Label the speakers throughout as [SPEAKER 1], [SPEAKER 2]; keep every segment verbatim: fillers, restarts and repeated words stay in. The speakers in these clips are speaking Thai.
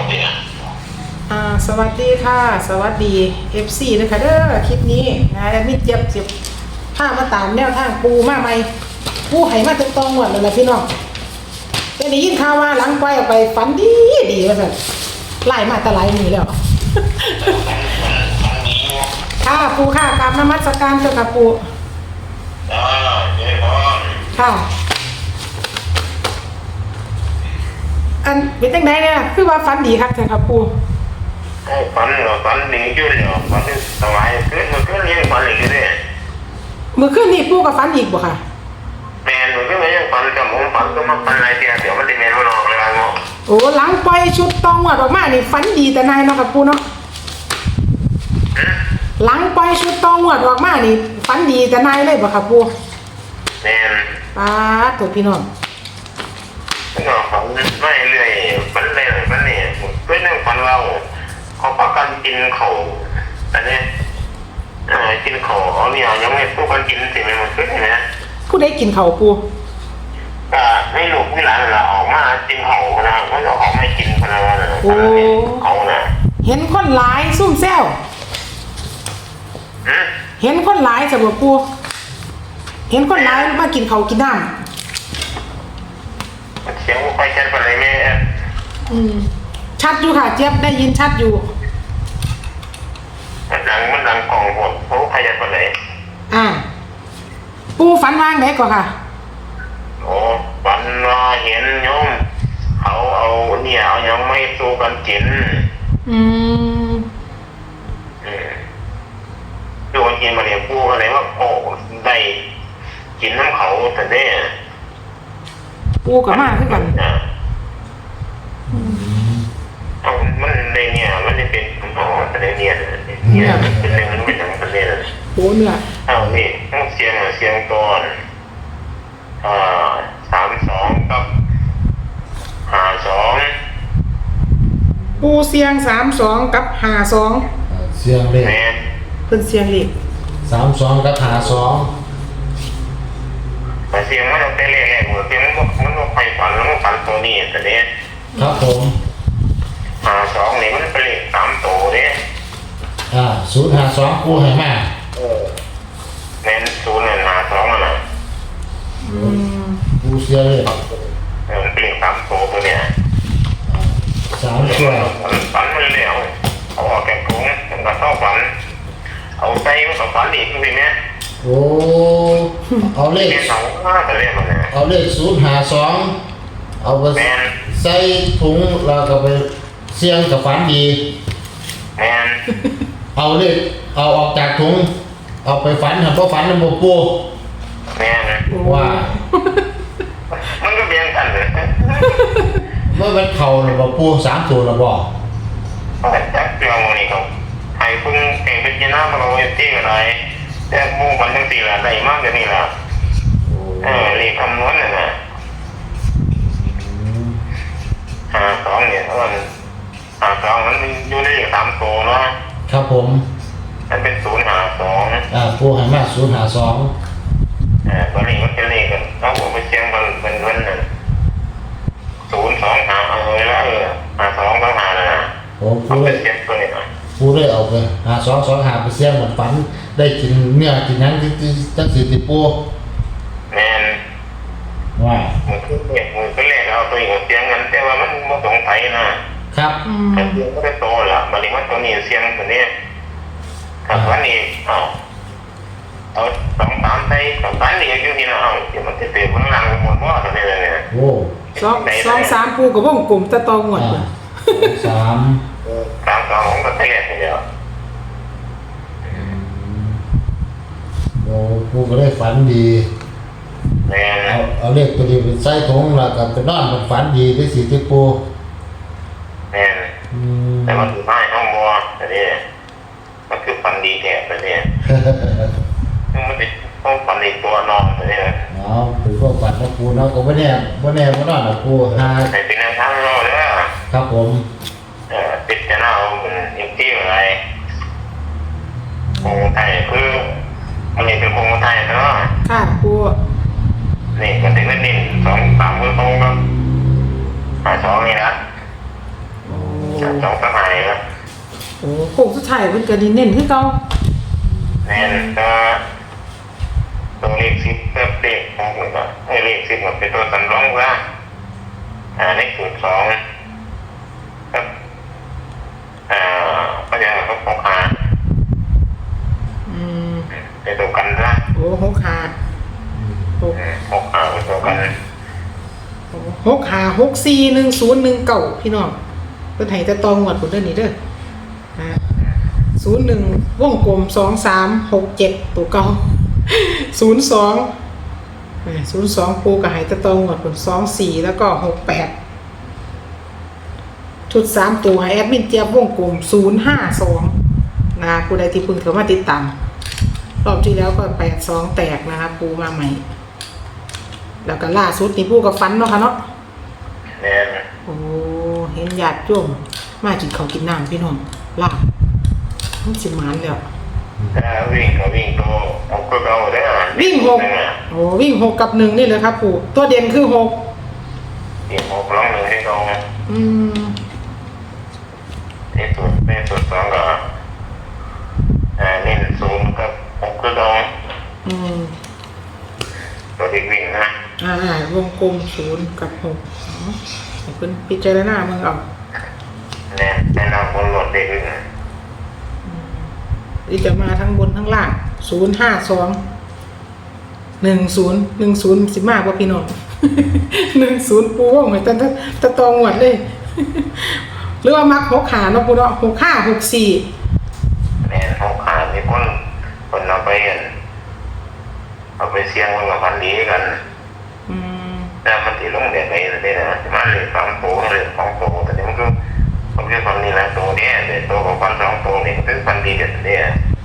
[SPEAKER 1] เนี่ย
[SPEAKER 2] อ่าสวัสดีค่ะสวัสดี เอฟ ซี นะคะเด้อคลิปนี้นะแอดมินเจี๊ยบสิบผ้ามาตามแนวทางปูมาใหม่ปูไห้มาตรงตองหมดเลยนะพี่น้องแต่ได้ยินข่าวว่าหลังไปออกไปฝันดีดีว่าสั่นไล่มาแตะไลมือแล้ว ค่ะปูค่ะกราบนมัสการเจ้าค่ะปู
[SPEAKER 1] อ่าเจ๊พร
[SPEAKER 2] ค่ะอันเป็นจังไดเนี่ยคือว่าฝันดีครับเจ้าค่ะปู
[SPEAKER 1] ไอ้ฝันเหรอฝันหนีขึ้นเหรอฝันสบายขึ้นมันขึ้นยังฝันอีกเลย
[SPEAKER 2] เมื่อคืนนี้ปูกับฝันอีกบ่ค่ะ
[SPEAKER 1] แมนมันก็ไม่ยังฝันกับผมฝันก็มาฝันอะไรเดียวเดี๋ยวมันจะแมนมันออกเลยงอ
[SPEAKER 2] โอ้หลังปล่อยชุดตองหวดออกมานี่ฝันดีแต่นายเนาะกับปูเนาะหลังปล่อยชุดตองหวดออกมานี่ฝันดีแต่นายเลยบ่ครับปู
[SPEAKER 1] แมน
[SPEAKER 2] ป้าตัวพี่น้อง
[SPEAKER 1] มันก็ฝันไม่เรื่อยฝันเรื่อยฝันนี่เป็นเรื่องฝันเราเขาพักกันกินเขาอันนี้เออกินเขาเอาเนี่ยยังไม่พูดกันกินสิมันขึ้นนะ
[SPEAKER 2] ผู้ใดกินข้าวปู
[SPEAKER 1] ก็ให้ลูกให้หลานเราออกมากินเขานะเขาจะออกมากินพนันนะเขานะ
[SPEAKER 2] เห็นคนหลายซุ่มแซว
[SPEAKER 1] อืม
[SPEAKER 2] เห็นคนหลายสำหรับปูเห็นคนหลายมากินข้าวกินน้
[SPEAKER 1] เสียงไฟชัดไปเลยแม่
[SPEAKER 2] ำอืมชัดอยู่ค่ะเจี๊ยบได้ยินชัดอยู่
[SPEAKER 1] มันดังมันดังกล่องหมดเขาขยันไปเลย
[SPEAKER 2] อ่าปูฝันวางไหนก่อนค่ะ
[SPEAKER 1] โอ้ฝันว่าเห็นโยมเขาเอาเนี่ยเอายังไม่สู้กันกิน
[SPEAKER 2] อืม
[SPEAKER 1] อืมดูกันกินมาเนี่ยพูดอะไรว่าโอ้ได้กินน้ำเขาแต่เนี่ย
[SPEAKER 2] ปูกับมาคือกัน
[SPEAKER 1] นะเอามันในเนี่ยมันจะเป็นอ๋อแต่ในเนี่ยเนี่ยเป็นเรื่องมันเป็นหนังเป็นเรื่อง
[SPEAKER 2] โอ้เนื้อ
[SPEAKER 1] เอานี่ต้องเสียงเสียงก่อนอ่าสามสองกับห้าสอง
[SPEAKER 2] ปูเสียงสามสองกับหาสอง
[SPEAKER 3] เสียงเลข
[SPEAKER 1] แม่
[SPEAKER 2] เพิ่นเสียงเล็ก
[SPEAKER 3] สามสองกับหาสอง
[SPEAKER 1] แต่เสียงมันเราเต้นเรื่อยๆเหมือนเสียงมันมันก็ไปฝันแล้วมันฝันตัวนี้แต่เนี้ย
[SPEAKER 3] ครับผม
[SPEAKER 1] ห้าสองนี่มันเป็นเลขสามตัวเนี่ย
[SPEAKER 3] อ่าศูนย์หาสองกูให้มา
[SPEAKER 1] เออแม่นศูนย์เนี่ยห้าสองอ่ะนะ
[SPEAKER 2] อืม
[SPEAKER 3] กูเสียเลข
[SPEAKER 1] เออมันเป็นเลขสามตัวตัวเนี่ย
[SPEAKER 3] สามตัว
[SPEAKER 1] ฝันมันเร็วเอาออกแกะถุงมันก็เข้าฝันเอาใจมันก็ฝันอีกทีเนี้ย
[SPEAKER 3] โอ้เอาเลข
[SPEAKER 1] เนี่ยสองห้าแต่เลขมันเนี่ย
[SPEAKER 3] เอาเลขศูนย์หาสองเอาไป
[SPEAKER 1] แม่น
[SPEAKER 3] ใส่ถุงแล้วก็ไปเสียงกับฝันดี
[SPEAKER 1] แม่น
[SPEAKER 3] เอาเลขเอาออกจากถุงเอาไปฝันทำเพราะฝันมันบปู
[SPEAKER 1] แม่น
[SPEAKER 3] ว่า
[SPEAKER 1] มันก็เบียงกันเลย
[SPEAKER 3] เมื่อมันเข่าหรือบปูสามตัวหรือบ่
[SPEAKER 1] แต่จักเรื่องมันนี่เขาให้พึ่งเก่งเป็นยีน่ามาเอาไว้ที่อะไรแต่หมู่มันทั้งสี่ละได้มากกว่านี้ละเออเรียกคำนวณน่ะนะหาสองเนี่ยเพราะมันหาสองมันอยู่ในเลขสามตัวเนาะ
[SPEAKER 3] ครับผม
[SPEAKER 1] มันเป็นศูนย์หาสอง
[SPEAKER 3] อ่าปูให้มาศูนย์หาสอง
[SPEAKER 1] เออตัวนี้มันเป็นเลขกันเอาผมไปเชียงมันเป็นวันหนึ่งศูนย์สองหาเอาไว้แล้วเออหาสองต้องหาเลยนะ
[SPEAKER 3] ผม
[SPEAKER 1] เอา
[SPEAKER 3] ปู
[SPEAKER 1] ไป
[SPEAKER 3] เลย
[SPEAKER 1] เชียงตัวนี้นะ
[SPEAKER 3] ปูเลยเอาไปหาสองสองหาไปเสียงเหมือนฝันได้กินเนื้อกินนั้นที่ที่ตั้งสี่ติปู
[SPEAKER 1] แมน
[SPEAKER 3] ว่า
[SPEAKER 1] มือขึ้นเนี่ยมือขึ้นแรกเอาตัวเองเสียงกันแต่ว่ามันไม่สงสัยนะครับ
[SPEAKER 2] อืม
[SPEAKER 1] แต่เสียงก็ได้โตแล้วบัดนี้มันตัวนี้เสียงตัวนี้กับวันนี้เอาเอาสองสามไปสองสามนี่อยู่ที่นั่นเอาเดี๋ยวมันจะเตะข้างล่างหมดว่าตัวนี้เลยเนี่ย
[SPEAKER 3] โอ้
[SPEAKER 2] สองสองสามปูกับวงกลมตะตองหวด
[SPEAKER 3] อ่าสาม
[SPEAKER 1] สามสองของก็เตะเดียว
[SPEAKER 3] โอ้ปูก็ได้ฝันดี
[SPEAKER 1] แม่น
[SPEAKER 3] เอาเอาเลขตัวนี้เป็นไส้ถุงแล้วก็เป็นนอนมันฝันดีได้สี่ติปู
[SPEAKER 1] แม่น
[SPEAKER 3] อืม
[SPEAKER 1] แต่มันอยู่ใต้ห้องบัวแต่นี่มันคือฟันดีแก่แต่นี่มันเป็นห้องฟันในตัวนอนแต่นี่
[SPEAKER 3] เอาถือว่าฝันนะปูเนาะก็ไม่แน่ไม่แน่ไม่นอนนะปูหา
[SPEAKER 1] แต่เป็นแนวทางเราเลย
[SPEAKER 3] ครับผม
[SPEAKER 1] เออติดจะน่าเอาเป็นอินที่อะไรโครงไทยคือมันนี่เป็นโครงไทยเนาะ
[SPEAKER 2] ค่ะปู
[SPEAKER 1] นี่มันถึงนั่นนี่สองสามมือตรงก็หาสองนี่นะ
[SPEAKER 2] โอ้
[SPEAKER 1] เอ
[SPEAKER 2] โอ้โค้งสุดท้ายเพิ่นก็เน้นๆคือเก่า
[SPEAKER 1] แน่นก็ตัวเลขสิบกับเลขของผมก็ให้เลขสิบมันเป็นตัวสำรองว่าอ่าในสูตรสองครับอ่าก็จะเขาพกหา
[SPEAKER 2] อืม
[SPEAKER 1] เป็นตัวกันนะ
[SPEAKER 2] โอ้หกห้าหก
[SPEAKER 1] พกหาเป็นตัวกัน
[SPEAKER 2] หกห้าหกสี่หนึ่งศูนย์หนึ่งเก้าพี่น้องเพิ่นให้แต่ตองหมดพุ่นเด้อนี่เด้ออ่าศูนย์หนึ่งวงกลมสองสามหกเจ็ดตัวเก่าศูนย์สองศูนย์สองปูกับไหตะตองหมดผลสองสี่แล้วก็หกแปดชุดสามตัวแอดมินเจี๊ยบวงกลมศูนย์ห้าสองนะผู้ใดที่เพิ่งเข้ามาติดตามรอบที่แล้วก็แปดสองแตกนะครับปูมาใหม่ แล้วก็ล่าสุดนี่ปูกับฟันเนาะค่ะเนาะ
[SPEAKER 1] แน่น
[SPEAKER 2] โอ้เห็นญาติโยมมากินข้าวกินน้ำพี่น้องลาบมันสิหมานแล้ว
[SPEAKER 1] ถ้าวิ่งก็วิ่งตัวเอาก็เอาได้
[SPEAKER 2] วิ่งหกโอ้วิ่งหกกับหนึ่งนี่เลยครับปู่ตัวเด่นคือหก
[SPEAKER 1] วิ่งหกร้องหนึ่งให้ตรง
[SPEAKER 2] อืม
[SPEAKER 1] ในสูตรในสูตรสองก็อ่าเน้นศูนย์กับหกก็ตรง
[SPEAKER 2] อืม
[SPEAKER 1] ตัวเด็กวิ่งนะ
[SPEAKER 2] อ่าวงกลมศูนย์กับหกอ๋อให้เพิ่นพิจารณาเมืองเอา
[SPEAKER 1] แน่แน่นอนคนหลดเด็กวิ่ง
[SPEAKER 2] ที่จะมาทั้งบนทั้งล่างศูนย์ห้าสองหนึ่งศูนย์หนึ่งศูนย์สิมากกว่าพี่น้อง หนึ่งศูนย์ปูว่องเหมือนตะตะตองหวดเลย หรือว่ามักหกขาเนาะปูเนาะหกห้าหกสี่
[SPEAKER 1] แน่หกขามีคนคนเอาไปกันเอาไปเสี่ยงมันกับพันดีกัน
[SPEAKER 2] อืม
[SPEAKER 1] แต่มันตีลงเด็กไหนเลยนะมาเลยสองตัวเลยสองตัวแต่นี่มันก็ผมเรียกคนนี้ละตัวเนี้ยเด็กตัวของพันสองตัวนี่คือพันดีเด็ดเนี่ย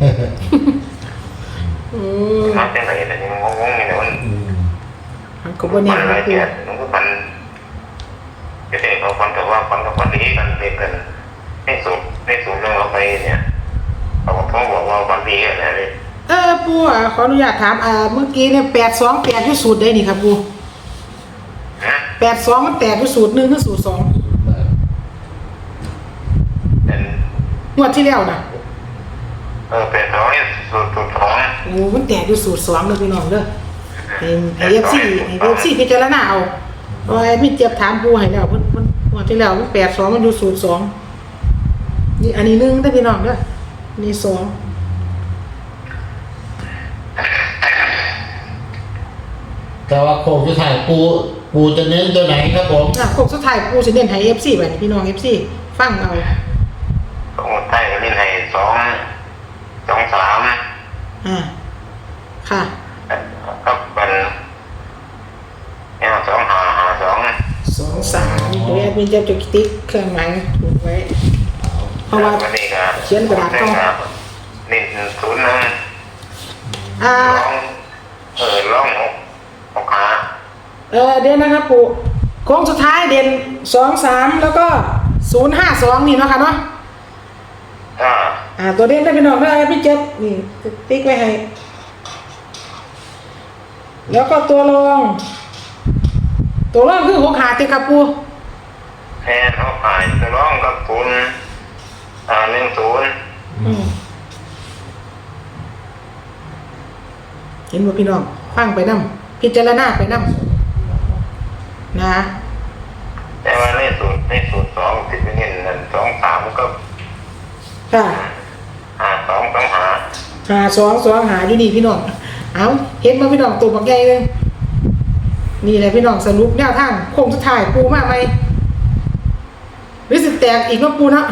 [SPEAKER 2] อืม
[SPEAKER 1] มาจากไหนแต่นี่มันงงๆนี่นะมัน
[SPEAKER 2] อันก็บ่แน่
[SPEAKER 1] มันอะไร
[SPEAKER 2] นะปู
[SPEAKER 1] เนี่ยมันก็พันจะเด็กเขาพันกับว่าพันกับพันดีกันเด็กกันให้สุดให้สุดเรื่องเราไปเนี่ยเขาบอกบอกว่าพันดีกันนะเลย
[SPEAKER 2] เออปูอ่ะขออนุญาตถามอ่าเมื่อกี้เนี่ยแปดสองแปดที่สูตรได้นี่ครับปู
[SPEAKER 1] นะ
[SPEAKER 2] แปดสองมันแตกที่สูตรหนึ่งที่สูตรสอง
[SPEAKER 1] เป็น
[SPEAKER 2] งวดที่แล้วนะ
[SPEAKER 1] เออเป็นร้อยสุดสุดของ
[SPEAKER 2] โอ้มันแตกที่สูตรสองเลยพี่น้องเด้อเห็นไอเอฟซีไอเอฟซีพิจารณาเอาเพราะไอ้มิเจ็บถามปูให้แล้วมันมันงวดที่แล้วมันแปดสองมันอยู่สูตรสองนี่อันนี้หนึ่งได้อพี่น้องเด้อนี่สอง
[SPEAKER 3] แต่ว่าโค้งสุดท้ายปูปูจะเน้นตัวไหนครับผม
[SPEAKER 2] อ่ะโคกสุดท้ายปูสิเน้นให้เอฟซีไปพี่น้องเอฟซีฟังเอา
[SPEAKER 1] สองใต้ก็เล่นให้สองสองสาม
[SPEAKER 2] อ่าค่ะ
[SPEAKER 1] ก็เป็นเนี่ยสองหาหาสอง
[SPEAKER 2] สองสามเดี๋ยวแอดมินจะจุดติ๊กเครื่องหมายถูกไว้ เพราะว่า
[SPEAKER 1] วันนี้ก็
[SPEAKER 2] เขียนกระดาษก่อน
[SPEAKER 1] เน้นศูนย์หนึ่ง
[SPEAKER 2] อ่า
[SPEAKER 1] ร้องเออร้องหกหกหา
[SPEAKER 2] เออเดี๋ยวนะครับปู่โค้งสุดท้ายเด่นสองสามแล้วก็ศูนย์ห้าสองนี่เนาะค่ะเนาะ
[SPEAKER 1] อ่า
[SPEAKER 2] อ่าตัวเด่นได้เป็นออกได้พี่เจ็บนี่ติ๊กไว้ให้ แล้วก็ตัวรอง ตัวรองคือหกขาติครับปู่
[SPEAKER 1] แทนเขาขายจะร้องกับศูนย์อ่าหนึ่งศูนย์
[SPEAKER 2] อืมเห็นบ่พี่น้องฟังไปนํพิจารณาไปนํนะ
[SPEAKER 1] แต่ว่าในสูตรในสูตรสองติดเป็นเงินนั่นสองสามก็
[SPEAKER 2] ค่ะ
[SPEAKER 1] หาสองสองหา
[SPEAKER 2] หาสองสองหาอยู่นี่พี่น้องเอาเห็นบ่พี่น้องตัวบักใหญ่เลยนี่แหละพี่น้องสรุปแนวทางโค้งสุดท้ายปูมาไหมหรือสิแตกอีกเนาะปูเนาะ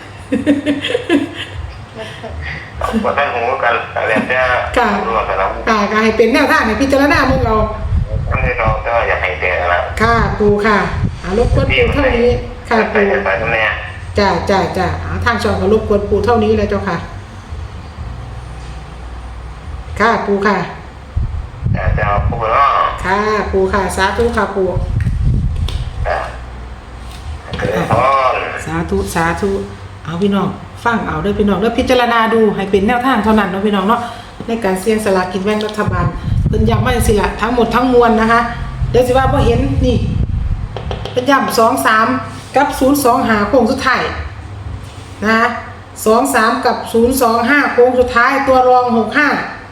[SPEAKER 1] ก็ท่านหูกันแต่แล้วแต่
[SPEAKER 2] ค่ะ
[SPEAKER 1] รู้ว่าแต่เรา
[SPEAKER 2] อ่าก็ให้เป็นแนวทางให้พิจารณาเมืองเรา
[SPEAKER 1] ท่านที่เราก็อยากให้แต่ละ
[SPEAKER 2] ค่ะปูค่ะอารบกวนปูเท่านี้ค่ะ
[SPEAKER 1] ไป
[SPEAKER 2] ปู
[SPEAKER 1] ไปตรงนี้
[SPEAKER 2] จ้าจ้าจ้าเอาทางช่องก็รบกวนปูเท่านี้เลยเจ้าค่ะ ค่ะปูค่ะ
[SPEAKER 1] แต่จะพูดว่า
[SPEAKER 2] ค่ะปูค่ะสาธุค่ะปู
[SPEAKER 1] เกิดพร
[SPEAKER 2] สาธุสาธุเอาพี่น้องฟังเอาเด้อพี่น้องแล้วพิจารณาดูให้เป็นแนวทางเท่านั้นเนาะพี่น้องเนาะในการเสี่ยงสลากกินแบ่งรัฐบาลเพิ่นย้ำมาสิละทั้งหมดทั้งมวลนะคะเดี๋ยวสิว่าบ่เห็นนี่เพิ่นย้ำสองสามกับศูนย์สองหาโค้งสุดท้ายนะคะสองสามกับศูนย์สองห้าโค้งสุดท้ายตัวรองหกห้า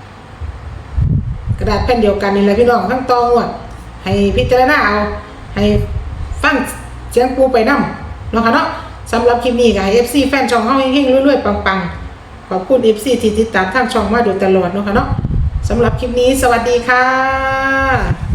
[SPEAKER 2] กระดาษแผ่นเดียวกันนี่แหละพี่น้องทั้งตองวดให้พิจารณาเอาให้ฟังเสียงปูไปนำเนาะค่ะเนาะสำหรับคลิปนี้ก็ให้ เอฟ ซี แฟนช่องเฮาเฮงๆรวยๆปังๆขอบคุณ เอฟ ซี ที่ติดตามทางช่องมาโดยตลอดเนาะค่ะเนาะสำหรับคลิปนี้สวัสดีค่ะ